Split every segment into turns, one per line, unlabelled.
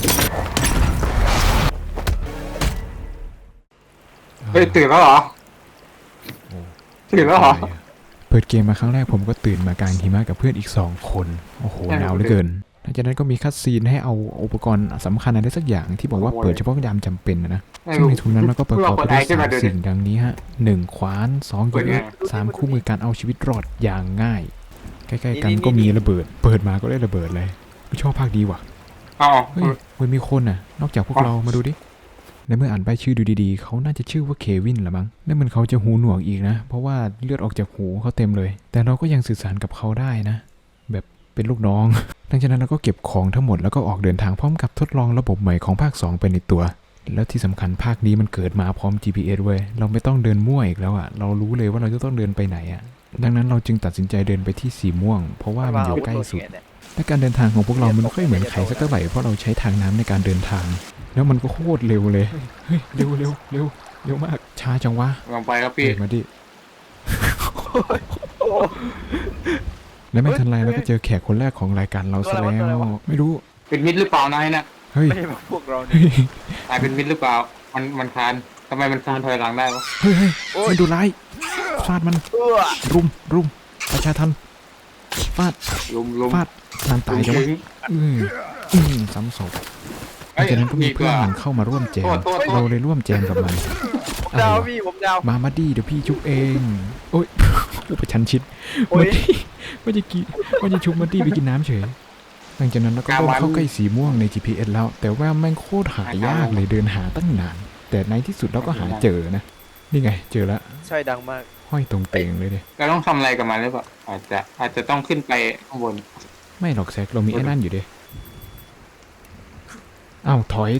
เฮ้ยตื่นแล้วเหรอตื่นแล้วเหรอ
เปิดเกมมาครั้งแรกผมก็ตื่นมากลางหิมะกับเพื่อนอีก2 คนโอ้โหหนาวเหลือเกินหลังจากนั้นก็มีคัดซีนให้เอาอุปกรณ์สำคัญอะไรสักอย่างที่บอกว่าเปิดเฉพาะยามจำเป็นนะซึ่งในทุนนั้นเราก็ประกอบไปด้วย3 สิ่งดังนี้ฮะ1 ขวาน2 ยุทธ3 คู่มือการเอาชีวิตรอดอย่างง่ายใกล้ๆกันก็มีระเบิดเปิดมาก็ได้ระเบิดเลยไม่ชอบภาคดีว่ะเฮ้ยมันมีคนน่ะนอกจากพวกเรามาดูดิในเมื่ออ่านใบชื่อดูดีๆเขาน่าจะชื่อว่าเควินละมั้งนั่นมันเขาจะหูหนวกอีกนะเพราะว่าเลือดออกจากหูเขาเต็มเลยแต่เราก็ยังสื่อสารกับเขาได้นะแบบเป็นลูกน้องหลังจากนั้นเราก็เก็บของทั้งหมดแล้วก็ออกเดินทางพร้อมกับทดลองระบบใหม่ของภาค2ไปในตัวแล้วที่สำคัญภาคนี้มันเกิดมาพร้อม GPS เว้ยเราไม่ต้องเดินมั่วอีกแล้วอ่ะเรารู้เลยว่าเราจะต้องเดินไปไหนอ่ะดังนั้นเราจึงตัดสินใจเดินไปที่สีม่วงเพราะว่ามันอยู่ใกล้สุดและการเดินทางของพวกเรามันไม่ค่อยเหมือนใครสักเท่าไหร่เพราะเราใช้ทางน้ำในการเดินทางแล้วมันก็โคตรเร็วเลยเฮ้ยเร็วมากช้าจังวะ
ลองไปครับพี่
มาดิและไม่ทันไรเราก็เจอแขกคนแรกของรายการเราซะแล้วไม่รู้
เป็นมิดหรือเปล่านายนะ
เฮ้ย
ไม่ใช่พวกเราเนี่ย
นายเป็นมิดหรือเปล่ามันคานทำไมมันคานถอยหลังได้วะ
เฮ้ยมันดูร้ายฟาดมันรุมประชาทันฟาดฟาดนานตายจังวะซ้ำศพจากนั้นก็มีเพื่อนมันเข้ามาร่วมแจมเราเลยร่วมแจมกับมัน
ผมดาวพี่ผมดาว
มาดีเดี๋ยวพี่ชุบเองโอ๊ยอุปชันชิดมาดีว่าจะชุบมาดีไปกินน้ำเฉยหลังจากนั้นเราก็เข้าใกล้สีม่วงใน GPS แล้วแต่ว่าแม่งโคตรหายากเลยเดินหาตั้งนานแต่ในที่สุดเราก็หาเจอนะนี่ไงเจอแล้ว
ใช่ดังมาก
ห้อยตรงเตงเลยเนี่ย
เราต้องทำอะไรกับมันหรือเปล่าอาจจะต้องขึ้นไปข้างบน
ไม่หรอกแซกเรามีไอ้นั่นอยู่ดิอ้าวถอย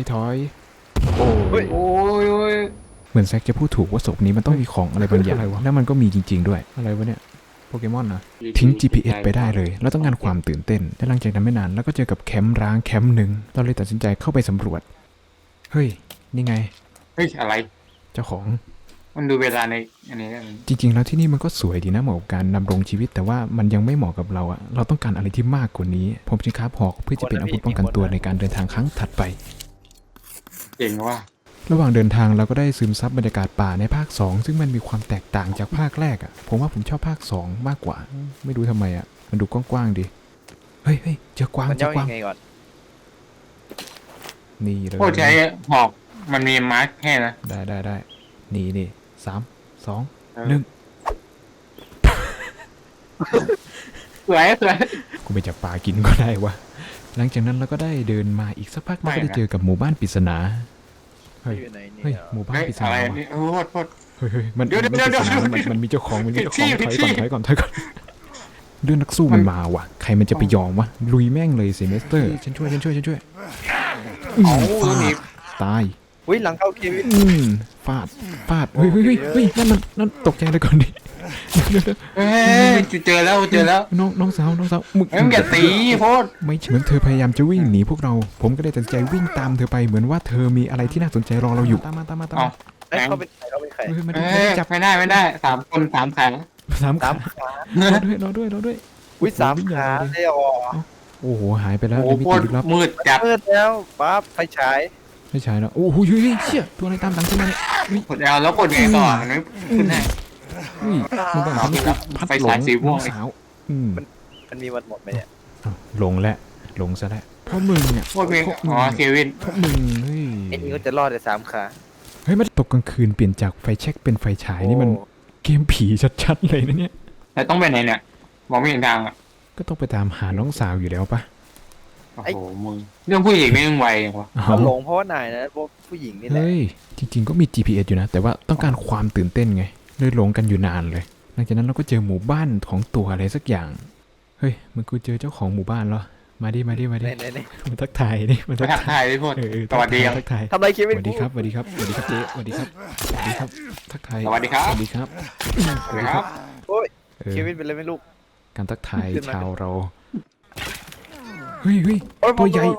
โอ้ย
เหมือนแซกจะพูดถูกว่าศพนี้มันต้องมีของอะไรบางอย่างแล้วมันก็มีจริงๆด้วยอะไรวะเนี่ยโปเกมอนนะทิ้ง GPS ไปได้เลยแล้วต้องการความตื่นเต้นและหลังจากนั้นไม่นานแล้วก็เจอกับแคมป์ร้างแคมป์หนึ่งเราเลยตัดสินใจเข้าไปสำรวจเฮ้ยนี่ไง
เฮ้ยอะไร
เจ้าของ
มันดูเวลาในอันนี้
จริงๆแล้วที่นี่มันก็สวยดีนะเหมาะกับการดำรงชีวิตแต่ว่ามันยังไม่เหมาะกับเราอะเราต้องการอะไรที่มากกว่านี้ผมจึงคราฟหอกเพื่อจะเป็นอาวุธป้องกันตัวในการเดินทางครั้งถัดไป
เก่งว่ะ
ระหว่างเดินทางเราก็ได้ซึมซับบรรยากาศป่าในภาค2ซึ่งมันมีความแตกต่างจากภาคแรกอะผมว่าผมชอบภาค2มากกว่าไม่รู้ทำไมอะมันดูกว้างๆดีเฮ้ยเจอกวางนี่เลย
โอ้ใช้หอกมันมีมาร์คแค่นะ
ได้นี่3 2 1
สวย
กูไปจับปลากินก็ได้วะหลังจากนั้นเราก็ได้เดินมาอีกสักพักเราก็ได้เจอกับหมู่บ้านปริศนาเฮ้ยหมู่บ้านปริศนาเฮ้ยมันเดี๋ยวมันมีเจ้าของถอยก่อนเรื่องนักสู้มันมาว่ะใครมันจะไปยอมวะลุยแม่งเลยเซมิสเตอร์ฉันช่วยตาย
หลังเข้าเควิน
ฟาดเฮ้ยนั่นตกใจเลยก่อนดิ
เจอแล้ว
น้องสาว
มึงอย่าตีโพด
ไม่เหมือนเธอพยายามจะวิ่งหนีพวกเราผมก็ได้ตัดใจวิ่งตามเธอไปเหมือนว่าเธอมีอะไรที่น่าสนใจรอเราอยู่ตามมา
เขาเป็นใคร
จับไม่ได้3 คน3 ขา
รอด้วย
อุ้ย3 ขาเลยอ๋อ
โอ้โหหายไปแล้ว
โอ้โหมืดจัด
มืดแล้วปั๊บไฟฉาย
แล้วโอ้โหเชี่ยตัวอะไรตามหลังขึ้นมาเนี่ย
กดแล้วกดไงต่อไม่ขึ้นแน่
มันต้องพัดหลงสาว
มันมีวันหมดไหมเนี่ย
หลงซะแล้วเพราะมึงเนี่ย
เควิน
เพราะมึงเฮ้ย
ไอ้นี่ก็จะรอดได้3 ขา
เฮ้ยมันตกกลางคืนเปลี่ยนจากไฟแช็กเป็นไฟฉายนี่มันเกมผีชัดๆเลยนะเนี่ย
แต่ต้องไปไหนเนี่ยมองไม่เห็นทางอ่ะ
ก็ต้องไปตามหาน้องสาวอยู่แล้วปะ
โอ้โหมึงเรื่องผู้หญิงไม่ต้องไววะ
หลงเพราะว่านายนะพวกผู้หญิงนี่แหละ
เฮ้ยจริงๆก็มี GPS อยู่นะแต่ว่าต้องการความตื่นเต้นไงเลยหลงกันอยู่นานเลยหลังจากนั้นเราก็เจอหมู่บ้านของตัวอะไรสักอย่างเฮ้ยมันกูเจอเจ้าของหมู่บ้านเหรอมาดิมาทักทายดิ
มาทักทายดิพ่อสวัสดี
ทักทาย
ทำไรคิดไม่
สวัสดีครับเจ๊สวัสดีครับทักทาย
สวัสดีครับ
โอ้ยคิดไม่เป็นไรไม่ลูก
การทักทายชาวเราเฮ้ยตัวใหญ่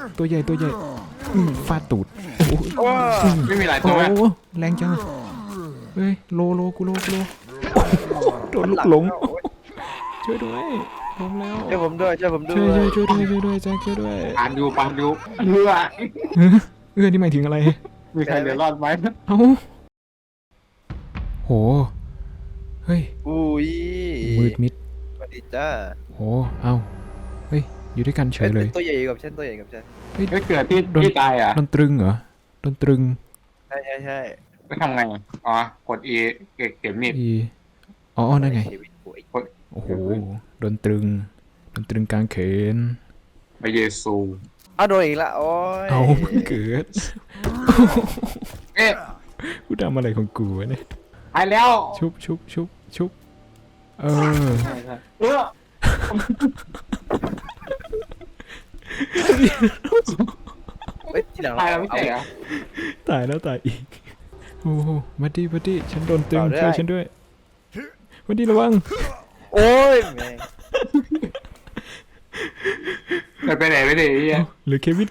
ฟาดตูด
ไม่มีหลายตัว
แรงจังเฮ้ยโลกูโดนลูกหลงช่วยด้วยล้มแล้ว
ช่วยผมด้วยช่วยผมด้
ช่วย
วย
ช่วยช่วยด้วยช่วยด้วยแจ็คช่วยด้วย
ปานดูเรือ
นี่หมายถึงอะไร
มีใครเหลือรอดไหม
เอ้าโหเฮ้ย
อุ้ย
มืดมิด
สวัสดีจ้า
โหเอ้าเฮ้ยอยู่ด้วยกันเฉยเลย
ตัวใหญ่กับฉันตัวใหญ่กับฉัน
ไม่เกิดที่ตายอ่ะ
โดนตรึงเหรอโดนตรึง
ใช่ใช่ใช่
ไม่ทำไงอ๋อกด E เก็บมีด
อีอ๋อนั่นไง
ชีวิตกูไอ้
โอ้โหโดนตรึงกลางเขน
พระเยซู
เอาโดนอีกละโอ้ย
เอาเพิ่งเกิด
เอ๊ะ
กูทำอะไรของกูวะเนี่ย
ตายแล้ว
ชุบเออ
เออ
เฮ้ยทีหลัง
ตายแล้วไม่ใช่เหรอ
ตายแล้วตายอีกโอ้โหมาดิฉันโดนตรึงช่วยฉันด้วยมาดิระวัง
โอ้ยแม่ง
ไปไหนไม่ได้ไอ้เหี้ย
หรือเควิน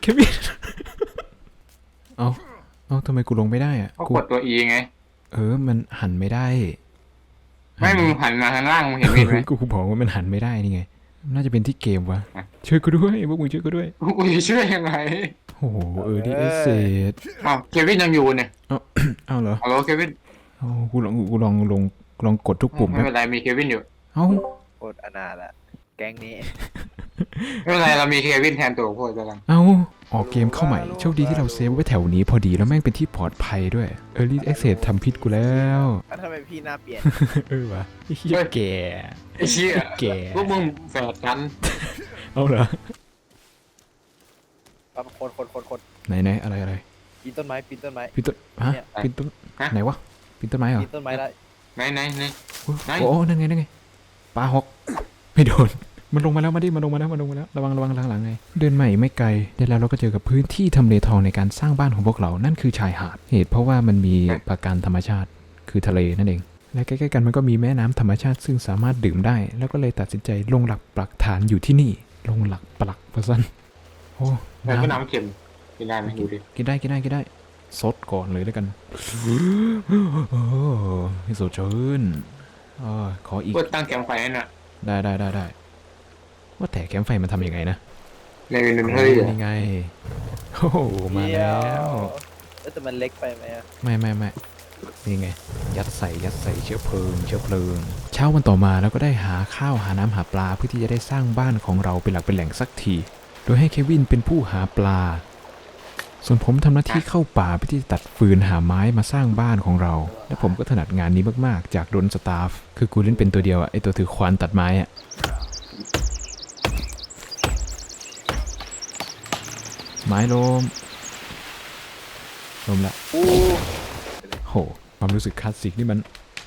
เอาทำไมกูลงไม่ได้อะ
เขากดตัว E ไง
มันหันไม่ได้
ไม่มึงหันมาทางล่างมึงเห็นมีดไหม
กูบอกว่ามันหันไม่ได้นี่ไง น่าจะเป็นที่เกมวะ
อ่ะ
ช่วยกูด้วยพวกมึงช่วยกูด้วย
กูจะช่วยยังไง
โอ้โหดิเอเซด
อ้าวเควินยังอยู่เนี่ย
เอาเหรอ
ฮัลโหลเควิน
เอากูลองกดทุกปุ่ม
ไม่เป็นไรมีเควินอยู่
เอ้า
โคตรอนาถอะแก๊งนี้
ไม่เป็นไรเรามีเควินแทนตัวพวกเจ้ากัน
เอาออกเกมเข้าใหม่ โชคดีที่เราเซฟไว้แถวนี้พอดีแล้วแม่งเป็นที่ปลอดภัยด้วย Early Access ทำพิษกูแล้ว
แล้วทำไมพี่หน้าเปลี่ยน
วะไอ้เหี้ยแก่
ไอ้เชี่ย
แก่
พวกมึงแฝดกัน
เอาเหรอ
ปั๊บคน
ไหนอะไร
ปีนต้นไม้ปีนต้นไม้
ปีนต้นฮะปีนต้นไหนวะปีนต้นไม้เหรอ
ปีนต้นไม้ได้
ไหน ไหน
โอ้นั่นไงปลาฮอกไม่โดนมันลงมาแล้วระวังหลังไงเดินใหม่ไม่ไกลเดี๋ยวแล้วเราก็เจอกับพื้นที่ทำเลทองในการสร้างบ้านของพวกเรานั่นคือชายหาดเหตุเพราะว่ามันมีปราการธรรมชาติคือทะเลนั่นเองและใกล้ๆกันมันก็มีแม่น้ำธรรมชาติซึ่งสามารถดื่มได้ แล้วก็เลยตัดสินใจลงหลักปักฐานอยู่ที่นี่ลงหลักปักพะซันโอ้
แต่ก็น้ำเค็มกินได้ไหมดูดิ
กินได้ซดก่อนเลยแล้วกันโอ้ให้สดชื่นขออีก
เพื่อตั้งแคมป์ไฟนั่นน่ะ
ได้ว่าแต่แคมป์ไฟมันทำยังไงนะ
ในเงินเฮ้ย
นี่ไงโอ้โหมาแล้ว
แต่มันเล็กไปไหมอะ
ไม่นี่ไงยัดใส่เชื้อเพลิงเช้าวันต่อมาแล้วก็ได้หาข้าวหาน้ำหาปลาเพื่อที่จะได้สร้างบ้านของเราเป็นหลักเป็นแหล่งสักทีโดยให้เควินเป็นผู้หาปลาส่วนผมทำหน้าที่เข้าป่าเพื่อที่จะตัดฟืนหาไม้มาสร้างบ้านของเราและผมก็ถนัดงานนี้มากๆจากโดนสตาฟคือกูเล่นเป็นตัวเดียวอะไอตัวถือควานตัดไม้อะไม้ล้มละ
อู้
โหความรู้สึกคลาสสิกนี่มัน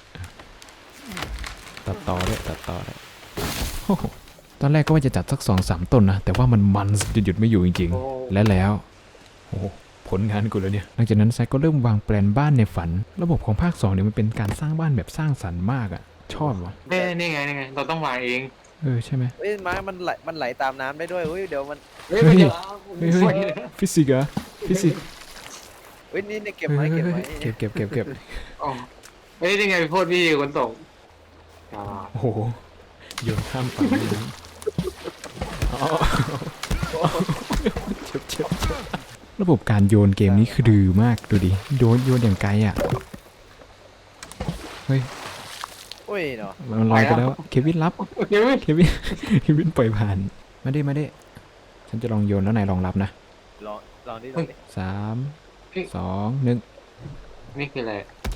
ตัดต่อได้โอ้โหตอนแรกก็ว่าจะจัดสัก2-3 ต้นนะแต่ว่ามันจะหยุดไม่อยู่จริงๆแล้วโอ้โหผลงานกูแล้วเนี่ยหลังจากนั้นแซกก็เริ่มวางแปลนบ้านในฝันระบบของภาค2เนี่ยมันเป็นการสร้างบ้านแบบสร้างสรรค์มากอะชอบวะ
นี่ไงเราต้องวางเอง
ใช่ไหม
เฮ้ยไม้มันไหลตามน้ำได้ด้วยเฮ้ยเดี๋ยวมัน
เฮ้ยไม่เดี๋ยว
เฮ้ยฟิสิกส์เหรอฟิสิกส์
เฮ้ยนี่เก็บไม้
เก็บ
อ๋อเฮ้ยนี่ไงโทษพี่คนตก
โอ้โหโยนข้ามฝั่งเลยนะเจ็บระบบการโยนเกมนี้คือดื้อมากดูดิโยนอย่างไกลอ่ะเฮ้ย
โอ้ยเนาะ
มันลอยไปแล้วเควินรับเควินปล่อยผ่านมาดิฉันจะลองโยนแล้วนายลองรับนะ
ลองดิ
3 2 1
นี่คืออะไร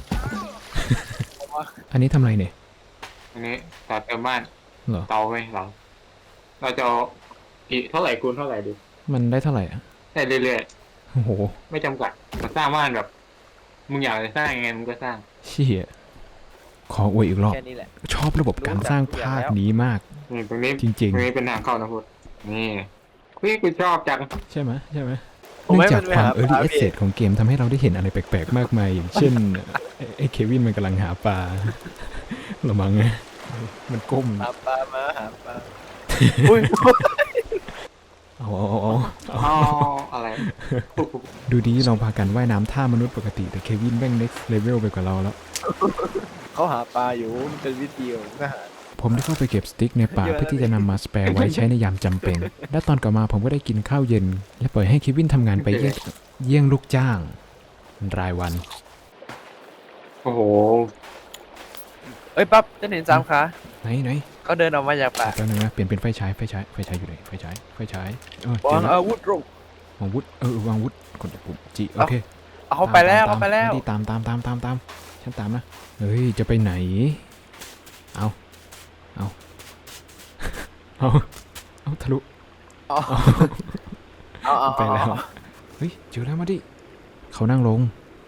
อันนี้ทำอะไรเนี่ย
อันนี้ต่อเติมบ้าน
เหรอ
เตาไหมเราจะเอากี่เท่าไหร่คูณเท่าไหร่ดู
มันได้เท่าไหร่อ่ะ
ได้เรื่อย
โอ้โห
ๆไม่จำกัดมาสร้างบ้านแบบมึงอยากจะสร้างยังไงมึงก็สร้าง
เชี่ยขออวยอีกรอบ
แค่นี้แหละ
ชอบระบบการสร้างภาคนี้มาก
นี่ตรงนี้
จริง
ตรงนี้เป็นทางเข้านะพุทธนี่พี่กูชอบจัง
ๆ ใช่ไหมเนื่องจากความ Early Access ของเกมทำให้เราได้เห็นอะไรแปลกๆ มากมายอย่างเช่นไอ้เควินมันกำลังหาปลาหรือมั้งไงมันก้ม
หาปลามาหาปลาอุ้ย
เอา
อ๋ออะไร
ดูดีเราพากันว่ายน้ำท่ามนุษย์ปกติแต่เควินแม่ง next level ไปกว่าเราแล้ว
เขาหาปลาอยู่มันเป็นวิธีของทหาร
ผมได้เข้าไปเก็บสติ๊กในป่าเพื่อที่จะนำมาสแปร์ไว้ใช้ในยามจำเป็น และตอนกลับมาผมก็ได้กินข้าวเย็น และปล่อยให้เควินทำงานไปเยี่ยงลูกจ้าง รายวัน
โอ้โห
เอ้ยปั๊บจะเห็น3 ขา
ไหน
เขาเดินออกมาจากป่า
แป๊บนึงนะเปลี่ยนเป็นไฟฉายอยู่ไหนไฟฉายเจ
วา
อง แล้ว
อาวุธลง
วางวุธวางวุธกดปุ่มจีโอเค
เอาเขาไปแล้วเขาไปแล้ว
ตามฉันตามนะเฮ้ยจะไปไหนเอาทะลุ
เอา
ไปแล้วเฮ้ยเจอแล้วมาดิเขานั่งลง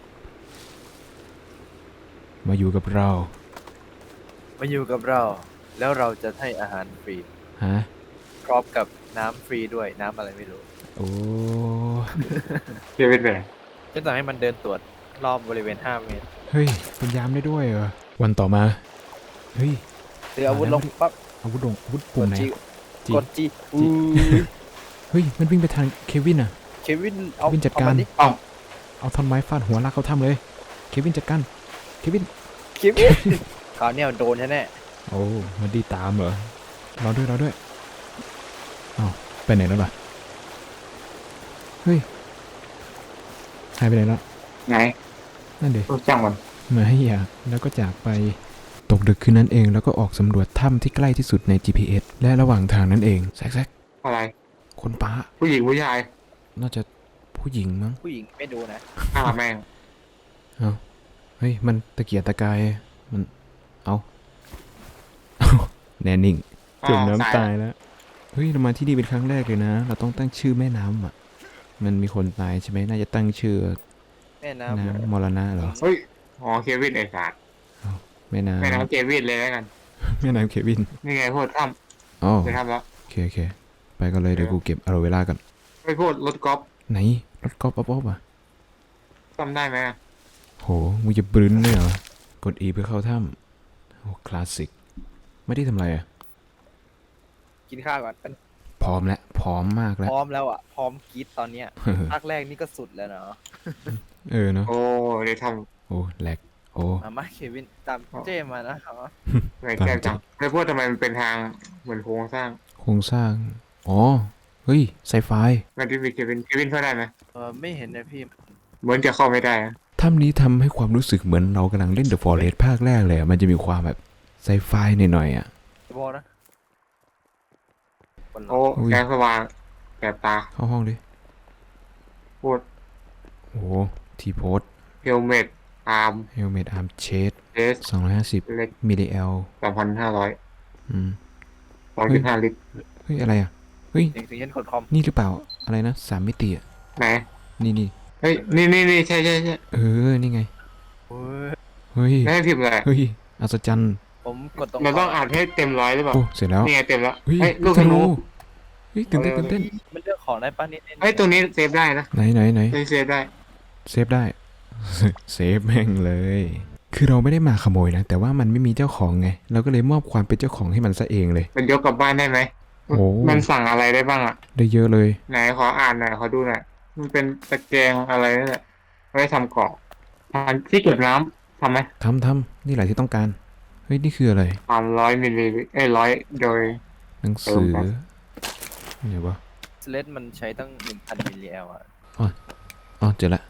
มาอยู่กับเรา
มาอยู่กับเรา แล้วเราจะให้อาหารฟรี
ฮะ
พร้อมกับน้ำฟรีด้วยน้ำอะไรไม่รู้
โอ้
เควินไปไหน
จะสั่งให้มันเดินตรวจรอบบริเวณ5 เมตร
เฮ้ยเป็นยามได้ด้วยเหรอวันต่อมาเฮ้ย
ถืออาวุธลงปั๊บ
อาวุธปุ่มไหน จี
กดจี
เฮ้ยมันวิ่งไปทางเควินอ่ะ
เควินเอา
เควินจัดการ
เอมดิ
เอาท่อนไม้ฟาดหัวลากเขาทำเลยเควินจัดการเควิน
เควินคราวเนี้ยโดนแน่
โอ้มันดีตามเหรอรอด้วยอ้าวไปไหนแล้วล่ะเฮ้ยหายไปไหนแล้ว
ไหน
นั่นดิ
รู้จังมัน
มาให้อยากแล้วก็จากไปตกดึกคืนนั้นเองแล้วก็ออกสำรวจถ้ำที่ใกล้ที่สุดใน GPS และระหว่างทางนั้นเองแซก
อะไร
คนป้า
ผู้หญิงผู้ชาย
น่าจะผู้หญิงมั้ง
ๆผู้หญิงไม่ดูนะ
ฆ่าแม่ง
เฮ้ยมันตะเกียกตะกายมันเอาแน่นิ่งจมน้ำตายแล้วเฮ้ยเรามาที่นี่เป็นครั้งแรกเลยนะ เราต้องตั้งชื่อแม่น้ำอ่ะมันมีคนตายใช่ไหมน่าจะตั้งชื่อ
แม่น้
น้ำมรณะเหรอ
เฮ้ยอ๋อเควินไอ้สัตว์
แม่น้ำ
แม่น้ำเควินเลยแล้วกัน
แม่น้ำเควิน
นี่ไงพูดถ้
อ๋อ
ำไปถ้ำแล้ว
โอเคไปกันเลยเดี๋ยวกูเก็บอะโลเวล่ากัน
ไปพูดรถกอล์ฟ
ไหนรถกอล์ฟอ๊อบอ่ะ
จำได้ไหมอะ
โหมึงจะบรึ้นเลยเหรอกด E เพื่อเข้าถ้ำโอ้คลาสสิกไม่ได้ทำอะไรอ่ะ
ำกินข้าวก่อน
พร้อมแล้วพร้อมมากแล้ว
พร้อมแล้วอ่ะพร้อมกรีดตอนเนี้ยภาคแรกนี่ก็สุดแล้วเนาะ
เนาะ
โอ้เดี๋ยวท
โอ้แหลกโอ้
มาเควินตามเจ้มานะครับ
ำไงแก้จังไปพูดทำไมมันเป็นทางเหมือนโครงสร้าง
โครงสร้างอ๋อเฮ้ยไซไฟ
มันที่มีเควินเข้าได้ไหม
ไม่เห็นนะพี่
เหมือนจะเข้าไม่ได้อะ
ถ้ำนี้ทำให้ความรู้สึกเหมือนเรากำลังเล่น The Forest ภาคแรกเลยอะมันจะมีความแบบไซไฟหน่อยๆอ่ะ
จะบอกนะคน
โอ้
อุ้ย
แสงสว่างแสบตา
เข้าห้องดิ
พูด
โอ้ทีโพส
เฮลเมตอาร์ม
เฮลเมตอาร์มเชส
เอส
250
เล็ก
มิลลิแอล
3,500
อืม
2.5 ลิตร
เฮ้ยอะไรอ่ะเฮ้ย
เสียงเย็นกดคอม
นี่หรือเปล่าอะไรนะ3 มิติอ่ะ
ไหน
นี่
เฮ้ย นี่ใช่
นี่ไง
โอ้ย
เฮ้ย
ไม่ให้พิมพ์เลย
เฮ้ยอัศจรรย์
ผมกดตรง
เราต้องอ่านให้เต็มร้อยหรือเปล่า
โอ้เสร็จแล้ว
นี่ไงเต็มแล้ว
เฮ้ย
เฮ้ยลูกธนู
เฮ้ยตื่นเต้น
มันเลือกของได้ป่ะนี่
เฮ้ยตัวนี้เซฟได้นะ
ไหน
เซฟได้
เซฟได้ เซฟแม่งเลย คือเราไม่ได้มาขโมยนะ แต่ว่ามันไม่มีเจ้าของไง เราก็เลยมอบความเป็นเจ้าของให้มันซะเองเลย
มันยกกลับบ้านได้ไหม
โอ้
มันสั่งอะไรได้บ้างอ่ะ
ได้เยอะเลย
ไหนขออ่านหน่อยขอดูหน่อยมันเป็นตะแกรงอะไรนั่นแหละไว้ทำเกาะอันที่เก็บน้ำทำไหม
ทำนี่แหละที่ต้องการ เฮ้ย นี่คืออะไร
100 มิลลิลิตร100 โดย
หนังสือ
เติมครับ
ไหนวะ
สเลตมันใช้ตั้ง 1,000 มิลลิแอลอ่ะ
อ๋อเจอละ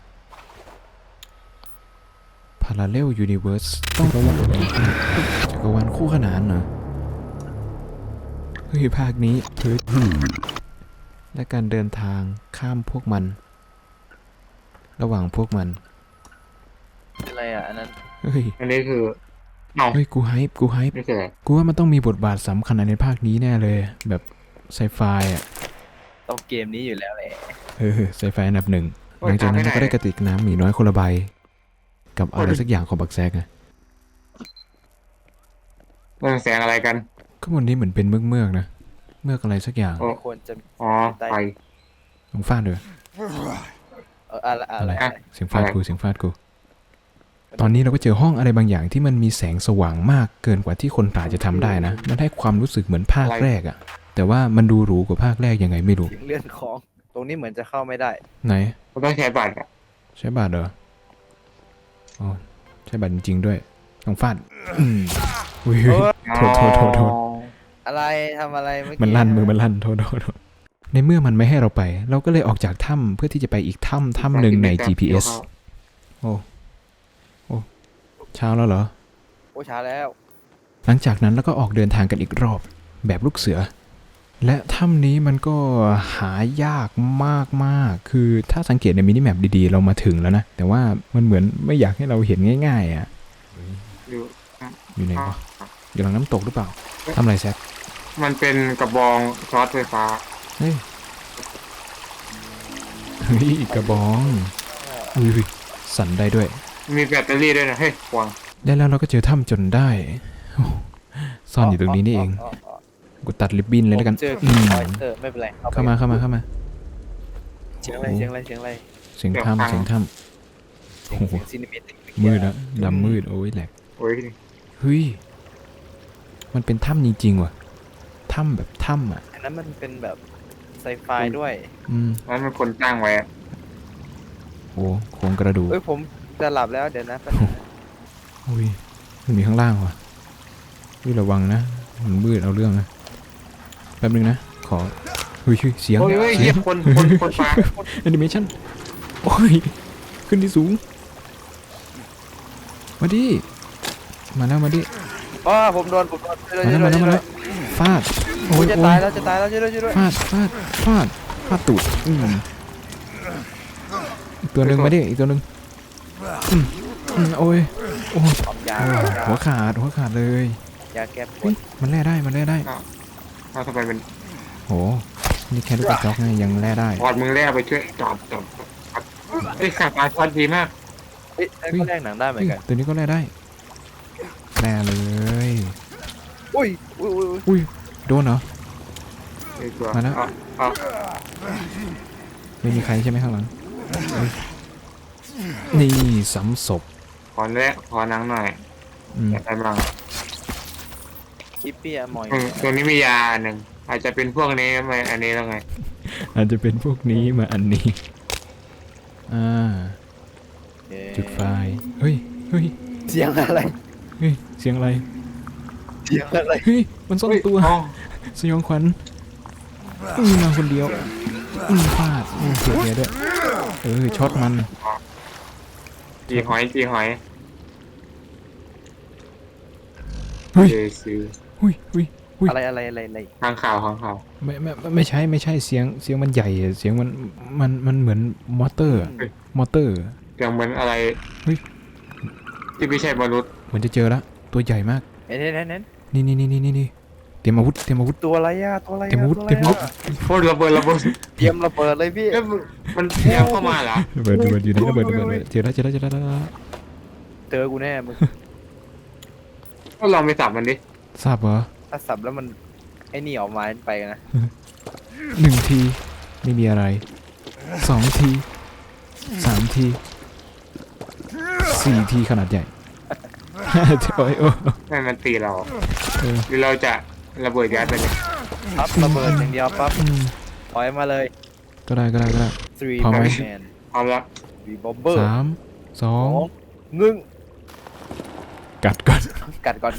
Parallel Universe ต้องจักรวาลคู่ขนานเหรอ เฮ้ย ภาคนี้เฮ้ยและการเดินทางข้ามพวกมัน ระหว่างพวกมัน
อะไรอ่ะอันนั้น
เฮ้ย
อันนี้คือเอ้า
เฮ้ย กูไฮป์
นี่คืออะไร
กูว่ามันต้องมีบทบาทสำคัญในภาคนี้แน่เลย แบบไซไฟอ่ะ
ต้องเกมนี้อยู่แล้วแหละ
ไซไฟอันดับหนึ่ง หลังจากนั้นก็ได้กระติกน้ำหมีน้อยคนละใบ กับอะไรสักอย่างของบักแซกอะ
เรื่องแสงอะไรกัน
ข้างบนนี้เหมือนเป็นเมือกๆนะ เมือกอะไรสักอย่าง
โอ้
ควรจะ
อ๋อไฟ
ลองฟาดด้วย
อะไร
เสียงฟาดกู ตอนนี้เราก็เจอห้องอะไรบางอย่างที่มันมีแสงสว่างมากเกินกว่าที่คนป่าจะทำได้นะ มันให้ความรู้สึกเหมือนภาคแรกอะแต่ว่ามันดูหรูกว่าภาคแรกยังไงไม่รู้
เสียงเลื่อนของ ตรงนี้เหมือนจะเข้าไม่ได้
ไหน
เราต้องใช้บัตรอ่ะ
ใช้บัตรเหรอ อ๋อ ใช้บัตรจริงๆด้วย ต้องฟาดอุ้ย
ไง
โทษโทษโทษโทษ
อะไรทำอะไรเมื่อกี้
มันลั่นมือมันลั่นโทษโทษโทษในเมื่อมันไม่ให้เราไป เราก็เลยออกจากถ้ำเพื่อที่จะไปอีกถ้ำหนึ่งใน GPS โอ้โอ้เช้าแล้วเหรอ
โอ้ช้าแล้ว
หลังจากนั้นเราก็ออกเดินทางกันอีกรอบแบบลูกเสือ และถ้ำนี้มันก็หายากมากๆคือถ้าสังเกตในมินิแมปดีๆเรามาถึงแล้วนะ แต่ว่ามันเหมือนไม่อยากให้เราเห็นง่ายๆอ่ะ
อยู่
อยู่ไหนวะอยู่หลังน้ำตกหรือเปล่าทำอะไรแซค
มันเป็นกระบองช็อตไฟฟ้า
เฮ้ยเฮ้ยกระบองอุ้ยสั่นได้ด้วย
มีแบตเตอรี่ด้วยนะเฮ้ยควง
และแล้วเราก็เจอถ้ำจนได้โอ้ซ่อนอยู่ตรงนี้นี่เองกูตัดริบบิ้นเลยแล้วกัน
ผมเจอ
อืม
ออยสเตอร์ไม่เป็นไร
เข้ามาเข้ามาเข้ามา
เสียงอะไรเสียงอะไรเสียงอะไร
เสียงถ้ำเสียงถ้
เสียง
โอ้โห
ซีนิเมติก
ำมืดแล้วดำมืดโอ้ยแหลก
โอ้ย
เฮ้ยมันเป็นถ้ำจริงๆว่ะถ้ำแบบถ้ำอ่ะ
อันนั้นมันเป็นแบบไซไฟด้วย
อืม
นั้นมันคนตั้งไว้อะ
โอ้โครงกระดูก
เอ้ยผมจะหลับแล้วเดี๋ยวนะแป๊บนึงนะ
อุ้ยมันมีข้างล่างว่ะอุ้ยระวังนะมันมืดเอาเรื่องนะแป๊บนึงนะขอเฮ้ยเสียง
โอ้ยเฮ้ย
เสี
เหี้
ย
ย
ง
คนฟ้า
แอนิเมชันโอ้ย ขึ้นที่สูง มาดิ มาแล้วมาดิ
อ๋อผมโดนช่วยด้วย
มา
ช่
แล้ว
วย
มา
ด้วย
แล้ว
ช่วย
มา
ด้วย
แล้วฟาด โอ้
โอ้
ย
ยจะ
โอ้
ตาย
ย
แล้วจะตายแล้วช่วยด้วยช่วยด้วย
ฟาดอีกตัวหนึ่งมาดิ อีกตัวหนึ่งโอ้ย โอ้ย
ความยา
หัวขาดเลย
ยาแก้ปว
เฮ้ย
ด
มันแล่ได้
เอาทำไมเป็น
โห นี่แค่ลูกกระจอกไงยังแล่ได้
พอดมึงแร่ไปช่วยจอดไอ้ขาตาช็อตดีมาก
เฮ้ยนั่นก็แลกหนังได้เหมือนกัน
ตัวนี้ก็แล่ได้ แล่เลย
อุ้ย
อุ้ย โดนเหรอ
ไอ้ตัว
มาแล้ว
เอา
ไม่มีใครใช่ไหมข้างหลังเฮ้ยนี่ซ้ำศพ
ขอแร่ขอนังหน่อย
อืม
อยากได้บ้าง
คิปปี้อะมอย
ตัวนี้มียาหนึ่งอาจจะเป็นพวกนี้ไหมอันนี้แล้วไง
อาจจะเป็นพวกนี้มาอันนี้
เย้
จุดไฟ เฮ้ย
เสียงอะไร
เสียงอะไร
เสียงอะไร
เฮ้ย มันซ่อนตัว
อ๋อ
สยองขวัญมาคนเดียวพลาดเสียเนี้ยด้วย ช็อตมัน
จีหอย
เฮ้ย
เจซี
อุ้ย
อะไร
ทางข่าวของเขา
ไม่ใช่เสียงมันใหญ่อะเสียงมันเหมือนมอเตอร์อะมอเตอร์
เสียงเหมือนอะไร
เฮ้ย
ที่ไม่ใช่มนุษย์
เหมือนจะเจอแล้วตัวใหญ่มาก
เน้น
นี่เตรียมอาวุธ
ตัวอะไรอะตัวอะไร
เต็มอาวุธ
ตัว
เต็มอาวุธ
โคตรระเบิด
เตรียมระเบิดเลยพี่
เอ๊ะมันเที่ยงเข้ามาเหรอ
ระเบิดอยู่นี่ระเบิดเจอแล้ว
เจอกูแน่มึง
ก็ลองไปสับมันดิ
ทราบเหรอ
ถ้าสับแล้วมันไอ้นี่ออกมาไปนะ
1 ทีไม่มีอะไร 2 ที 3 ที 4 ทีขนาดใหญ่โอ้ยโอ้
ให้มันตีเรา
เออ
หรือเราจะระเบิดยัดไปเลย
ปั๊บระเบิดอย่างเดียวปั๊บ
อืม
ปล่อยมาเลย
ก็ได้
three
พร้อมไหม
man
พร้อมแล้ว
three bomber
3 2
1
กัดก่อน
กัดก่อน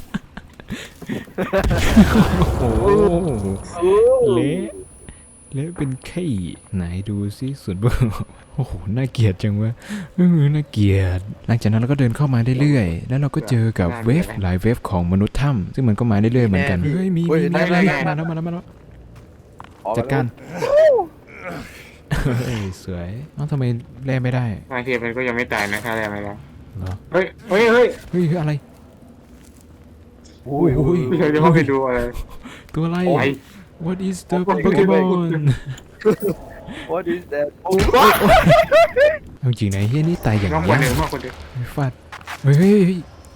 โอ้โหเละเป็นไข่ไหนดูซิส่วนเบอร์โอ้โหน่าเกลียดจังวะน่าเกลียดหลังจากนั้นเราก็เดินเข้ามาเรื่อยๆแล้วเราก็เจอกับเวฟหลายเวฟของมนุษย์ถ้ำซึ่งมันก็มาเรื่อยๆเหมือนกันเฮ้ยมีอะไรมาแล้ว
ออก
จัดการ
แล้ว
เฮ้ยสวยเอ้าทำไมแล่ไม่ได้
บางทีมันก็ยังไม่ตายนะถ้าอะไรแล้ว
เหรอ
เฮ้ย
เฮ้ยอะไร
โอ้ย
โอ้ย
พี่เคยจะเข้าไปดูอะไร
ตัวอะไร
โอ้ย
What is the
โอ้ย
Pokemon
what is that
เอาจริงนะเฮียนี่ตายอย่าง
น้องค
ยาน
หนึ่ง
ก
มากคนเดียว
ฟาดเฮ้ย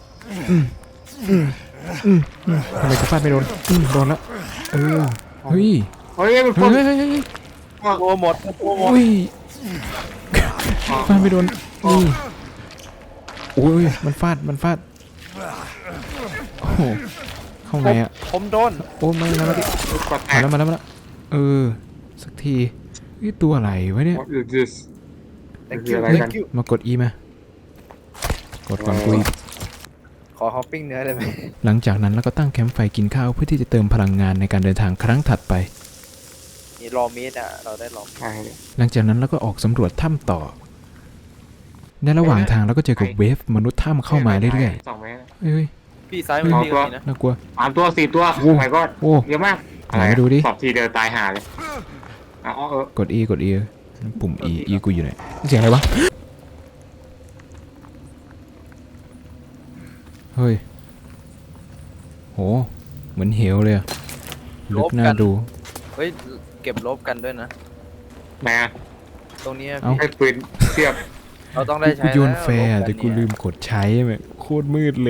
ทำไมกูฟาดไม่โดนโดนละเฮ้ย
เฮ้ยมัน
เฮ้ย
โปรหมด
อุ้ยฟาดไม่โดนนี่โอ้ยมันฟาดโอ้โหเข้าไงอ่ะ
ผมโดน
โอ้มาแล้ว
กดแตก
มาแล้วสักทีนี่ตัวอะไรวะเนี่ย
What is this
thank
คือ
you
อะไรกัน
thank you
มากด E มากดก่อนกูอีก
ขอฮอปปิ้งเนื้อได้ไหม
หลังจากนั้นเราก็ตั้งแคมป์ไฟกินข้าวเพื่อที่จะเติมพลังงานในการเดินทางครั้งถัดไป
มีรอมีดอ่ะ เราได้รอ
ใช่
หลังจากนั้นเราก็ออกสำรวจถ้ำต่อ ในระหว่างทางเราก็เจอกับเวฟมนุษย์ถ้ำเข้ามาเรื่อย
2 เมตร
ๆเฮ้ย
พี่ซ้ายมือพี่ก็มีนะ
น่ากลัว
3 ตัว 4 ตัว
โอ้
ไม่ก็
โอ้
เยอะมาก
ไหนดูดิ
สอบทีเดียวตายห่าเลยอ๋อก
ด E กด E ปุ่ม E กูอยู่ไหนเสียงอะไรวะ เฮ้ย โห เหมือนเหวเลยอะลึกน่าดู
เฮ้ย เก็บลบกันด้วยนะ
แหม่
ตรงนี้
เอ้า
ให้ปืนเทียบ
เราต้องได้ใช้
กูโยน
ล้ว
แฟร์
ลบ
แต่
น
กู
เนี่ย
ลืมกดใช้แม่งโคตรมืดเลย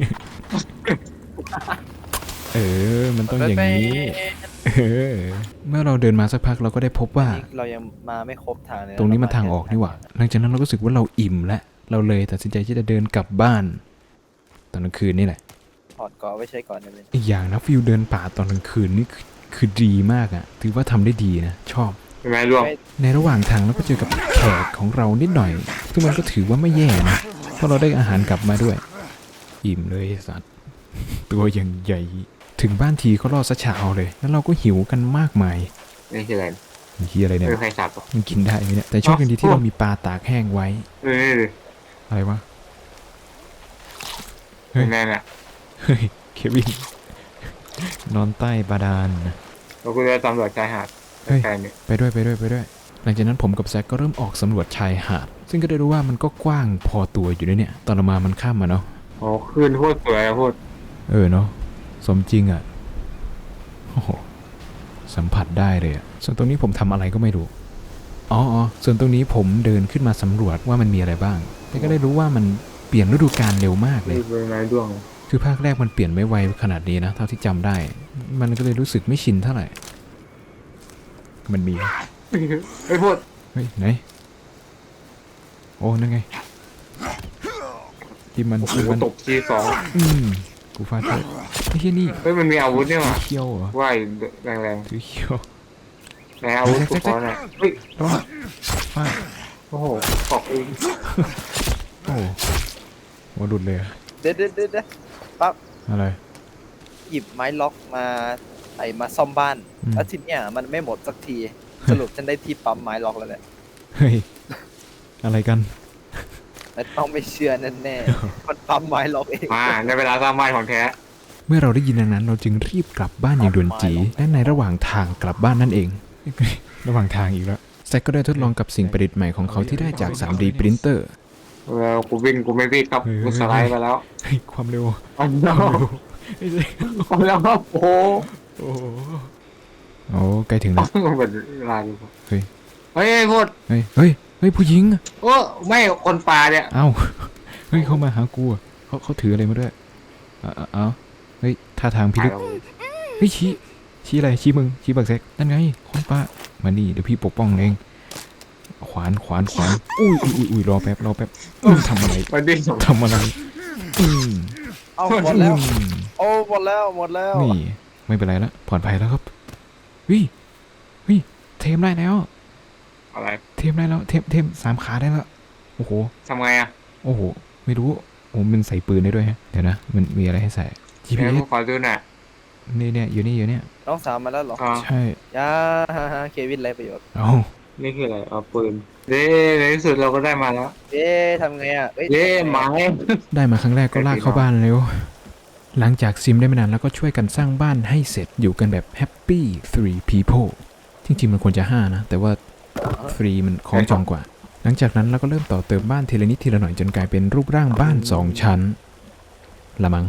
เออ มันต้องอย่างนี้ เออ เมื่อเราเดินมาสักพักเราก็ได้พบว่า
เรายังมาไม่ครบทางเลยะ
ตรงนี้มันทางออกนี่หว่า หลังจากนั้นเราก็รู้สึกว่าเราอิ่มแล้ว เราเลยตัดสินใจที่จะเดินกลับบ้าน ตอนกลางคืนนี่แหละ
ถอดก่อนไว้ใช้ก่อนได้ไหม
อีกอย่างนะฟิลเดินป่าตอนกลางคืนนี่คือดีมากอะถือว่าทำได้ดีนะ ชอบ
เป็นไงร่วง
ในระหว่างทางเราก็เจอกับแขกของเรานิดหน่อย ซึ่งมันก็ถือว่าไม่แย่นะ เพราะเราได้อาหารกลับมาด้วย อิ่มเลยไอ้สัตว์ ตัวอย่างใหญ่ ถึงบ้านทีก็รอดซะเช้าเลย แล้วเราก็หิวกันมากมาย
นี่คืออะไร
มันคืออะไรเนี่ย
ไม่มีใครสับหรอก
มันกินได้ไหมเนี่ย แต่โชคดีที่เรามีปลาตากแห้งไว้
นี่ดิ
อะไรวะ เฮ้ย
แน่น่ะ
เฮ้ย เควิน นอนใต้บาดาล
เราก็จะตำรวจชายหาด
เฮ้ย
แค่นี้
ไปด้วยไปด้วยไปด้วย หลังจากนั้นผมกับแซคก็เริ่มออกสำรวจชายหาด ซึ่งก็ได้รู้ว่ามันก็กว้างพอตัวอยู่ด้วยเนี่ย ตอนเรามามันข้ามมาเนาะ
โอ้คืนโคตรสวยอะโคตร
เออเนาะ สมจริงอ่ะ โอ้โห สัมผัสได้เลยอ่ะ ส่วนตรงนี้ผมทำอะไรก็ไม่รู้ อ๋อ ส่วนตรงนี้ผมเดินขึ้นมาสำรวจว่ามันมีอะไรบ้าง แต่ก็ได้รู้ว่ามันเปลี่ยนฤดูกาลเร็วมากเลย
นี่เป็นไม้ด้วง
คือภาคแรกมันเปลี่ยนไม่ไวขนาดนี้นะ เท่าที่จำได้ มันก็เลยรู้สึกไม่ชินเท่าไหร่ มันมี
ไอ้ยพูด
เฮ้ยไหน โอ้นั่นไงที่มัน
โอ้โห
ที่มัน
ตกทีสอง
กูฟาดเลยไอ้เหี้ยนี่
เฮ้ยมันมีอาวุธเนี่ยว่ะ
เขี้ยวเหรอ
ว่ายแรง
ถือเขี้ยว
ๆในอาวุธสุดเขาเนี่ยเฮ้ย
ร้อนฟาด
โอ้โหตอกเอง
โอ้หัวหลุดเลยอะ
เด็ดปั๊บ
อะไร
หยิบไม้ล็อกมามาซ่อมบ้าน
อืม
แล้วทีเนี้ยมันไม่หมดสักที สรุปฉันได้ที่ปั๊มไม้ล็อกแล้วแหละ
เฮ้ย อะไรกัน
แต่ต้องไม่เชื่อแน่ๆมันปั๊มไม้ล็อกเอง
มาในเวลาสร้างบ้านของแท้
เมื่อเราได้ยินดังนั้น เราจึงรีบกลับบ้านอย่างด่วนจีและในระหว่างทางกลับบ้านนั่นเอง ระหว่างทางอีกแล้วแซคก็ได้ทดลองกับสิ่งประดิษฐ์ใหม่ของเขาที่ได้จาก 3D ปรินเตอร์
แล้วกูวิ่งกูไม่วิ่งครับ
เฮ้ย
กูสไลด์มาแล้ว
เฮ้ยความเร็ว
อันเดียว
เฮ้ย
อันเดียวครับโอ้โห
โอ้โหโอ้ใกล้ถึงแล้ว
มันเป็นเวลาดู
เฮ้ย
เฮ้ยพูด
เฮ้ยผู้หญิงอะ
โอ้ไม่คนป่าเนี่ย
เอ้า เฮ้ยเขามาหากูอะเขาถืออะไรมาด้วยเอ้าเฮ้ยท่าทางพิลึกเฮ้ยชี้อะไรชี้มึงชี้บักแซกนั่นไงคนป้ามานี่เดี๋ยวพี่ปกป้องเองขวานอุ้ยรอแป๊บทำอะไร
มันดิ้นสอง
ทำอะไรอืม
เอาหมดแล้ว
อืม
โอ้หมดแล้ว
นี่ไม่เป็นไรแล้วปลอดภัยแล้วครับเฮ้ยเทมได้แล้ว
อะไร
เทมได้แล้วเทม3 ขาได้แล้วโอ้โห
ทำไงอ่ะ
โอ้โหไม่รู้โอ้มันใส่ปืนได้ด้วยฮะเดี๋ยวนะมันมีอะไรให้ใส่
เดี๋ยว
GPS
กูขอดูหน่อย
เนี่ยอยู่เนี่ย
น้องสาวมาแล้วเหรอ
อ๋อ
ใช่
ยาเควินไรประโยชน์
เอา
นี่คืออะไรเอาปืนเด้ในที่สุดเราก็ได้มาแล้ว
เอ๊ะทำไงอ่ะ
เด้หมา
ได้มาครั้งแรกก็ลากเข้าบ้านเร็วหลังจากซิมได้ไม่นานแล้วก็ช่วยกันสร้างบ้านให้เสร็จอยู่กันแบบ Happy 3 people จริงๆมันควรจะ5นะแต่ว่า3มันคล้องจองกว่า หลังจากนั้นเราก็เริ่มต่อเติมบ้านทีละนิดทีละหน่อยจนกลายเป็นรูปร่างบ้าน2 ชั้นละมั้ง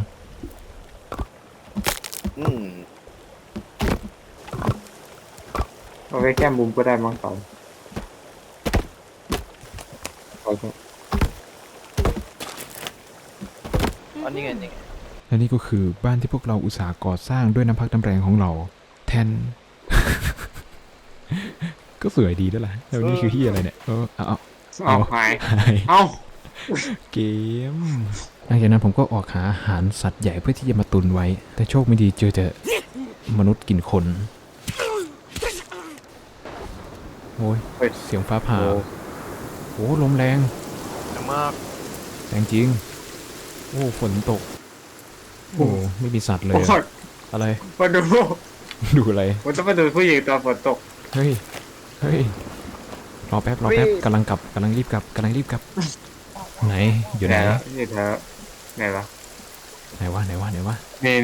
อืม
เอาไว้แก้มบุมก็ได้มั้งสองโอเค
อันนี้ไง
และนี่ก็คือบ้านที่พวกเราอุตส่าห์ก่อสร้างด้วยน้ำพักน้ำแรงของเราแทน ก็สวยดีด้วยล่ะแล้วนี่คือที่อะไรเนี่ยเอา
หาย
หาย
เอา
เกมหลังจากนั้นผมก็ออกหาอาหารสัตว์ใหญ่เพื่อที่จะมาตุนไว้ แต่โชคไม่ดีเจอแต่มนุษย์กินคนโอ้ยเสียงฟ้าผ่าโอ้ลมแรง
มาก
แรงจริงโอ้ฝนตกโอ้ไม่มีสัตว์เลย
โอ้
อะ
ย
อะไร
มาดู
ดูอะไร
มันต้องมาดูผู้หญิงตอนฝนตก
เฮ้ย เฮ้ย รอแป๊บ รอแป๊บกำลังกลับกำลังรีบกลับกำลังรีบกลับ ไหน อยู่ไหน
แล้วนี่เธอไหนวะ
ไหนวะ ไหนวะ ไหนวะ
นี่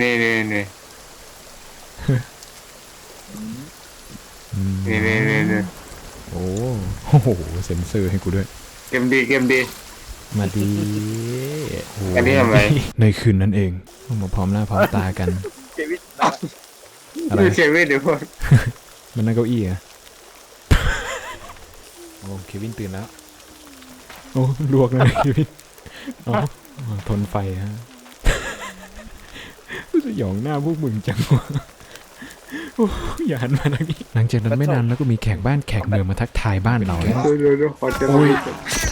อืม
นี่
โอ้โห เซ็นเซอร์ให้กูด้วย
เกมดี
มาดีโ
อันนี้ทำไม
ในคืนนั้นเองต้องมาพร้อมหน้าพร้อมตากัน
เควิน
อะไร
ดูเชวี่เดี๋ยวพวก
มันนั่งเก้าอี้อะโอ้เควินตื่นแล้ว โอ้ลวกเลยเควินอ๋อทนไฟฮะสยองหน้าพวกมึงจังวะโอ้อย่าหันมาทางนี้หลังจากนั้นไม่นานแล้วก็มีแขกบ้านแขกเมืองมาทักทายบ้านเราแล้ว
ดูขอเจอ
โอ้ย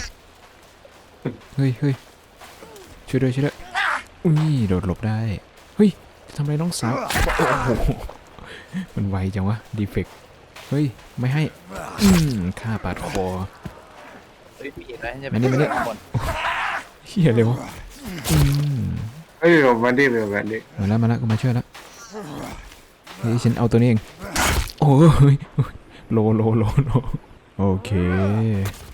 เฮ้ยเฮ้ยช่วยด้วยช่วยด้วยอุ้ยโดดหลบได้ เฮ้ยทำอะไรน้องสาวโอ้โหมันไวจังวะดีเฟกเฮ้ยไม่ให้ฆ่าปาดคอ
เฮ้ยพี่เห็นไหมจะ
มานี่มานี่
ข้างบน
เฮียเลยวะม
เฮ้ยมันดี
มาแล้วก็มาช่วยแล้วเฮ้ยฉันเอาตัวนี้เองโอ้ยโลโอเค